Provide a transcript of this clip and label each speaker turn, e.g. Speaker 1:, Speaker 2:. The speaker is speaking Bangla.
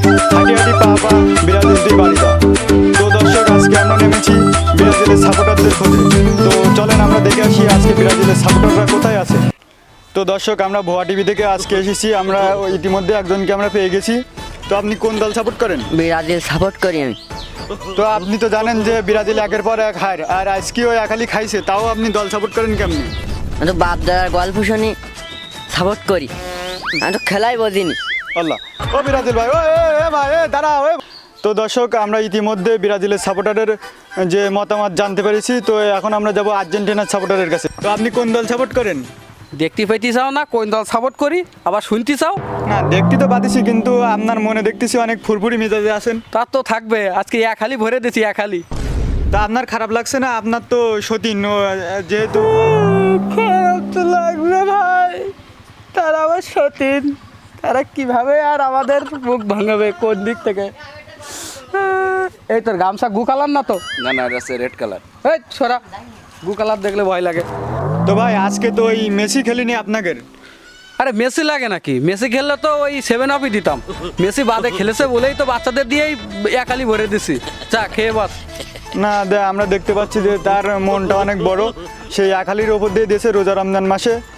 Speaker 1: হাঁটি হাঁটি পা পা ব্রাজিল দিয়ে বাড়ি দাও। তো দর্শক, আজকে আমরা নেমেছি ব্রাজিলের সাপোর্টারদের খোঁজে। তো চলেন আমরা দেখে আসি আজকে ব্রাজিলের সাপোর্টাররা কোথায় আছে। তো দর্শক, আমরা ভুয়া টিভি থেকে আজকে এসেছি। আমরা ইতিমধ্যে একজনকে আমরা পেয়ে গেছি। তো আপনি কোন দল সাপোর্ট করেন?
Speaker 2: ব্রাজিল সাপোর্ট করি আমি।
Speaker 1: তো আপনি তো জানেন যে ব্রাজিল একের পর এক হার, আর আজকেও একালি খাইছে, তাও আপনি দল সাপোর্ট করেন কেমনি?
Speaker 2: আমি তো বাপ দাদার গল্প শুনি সাপোর্ট করি, আমি তো খেলাই বুঝিনি।
Speaker 1: আল্লাহ, ও ব্রাজিল ভাই, ও এ ভাই, এ দাঁড়াও। তো দর্শক, আমরা ইতিমধ্যে ব্রাজিলের সাপোর্টারের যে মতামত জানতে পেরেছি। তো এখন আমরা যাব আর্জেন্টিনার সাপোর্টারের কাছে। তো আপনি কোন দল সাপোর্ট করেন?
Speaker 3: দেখতে পাইতে চাও না কোন দল সাপোর্ট করি, আবার শুনতে চাও?
Speaker 1: না, দেখতে তো পাচ্ছি, কিন্তু আপনার মনে দেখতেছি অনেক ফুরফুরি মেজাজে আছেন।
Speaker 3: তার তো থাকবে, আজকে এক হালি ভরে দিয়েছি এক হালি।
Speaker 1: তা আপনার খারাপ লাগছে না? আপনার তো সতীন যেহেতু।
Speaker 3: খারাপ তো লাগবে ভাই, তারা আবার সতীন, তারা কিভাবে আর আমাদের মুখ ভাঙাবে কোন দিক থেকে? এই তোর গামছা গু কালার না তো?
Speaker 4: না না, এটা হচ্ছে রেড কালার।
Speaker 3: এই ছোড়া, গু কালার দেখলে ভয় লাগে।
Speaker 1: তো ভাই, আজকে তো ওই মেসি খেলিনি আপনাকে।
Speaker 3: আরে মেসি লাগে নাকি? মেসি খেললে তো ওই 7 আপই দিতাম। মেসি বাদে খেলেছে বলেই তো বাচ্চাদের দিয়েই একালি ভরে দিছি। চা খেয়ে বাস।
Speaker 1: না, আমরা দেখতে পাচ্ছি যে তার মনটা অনেক বড়। সেই আখালির ওপর দিয়ে দিয়েছে রোজা রমজান মাসে।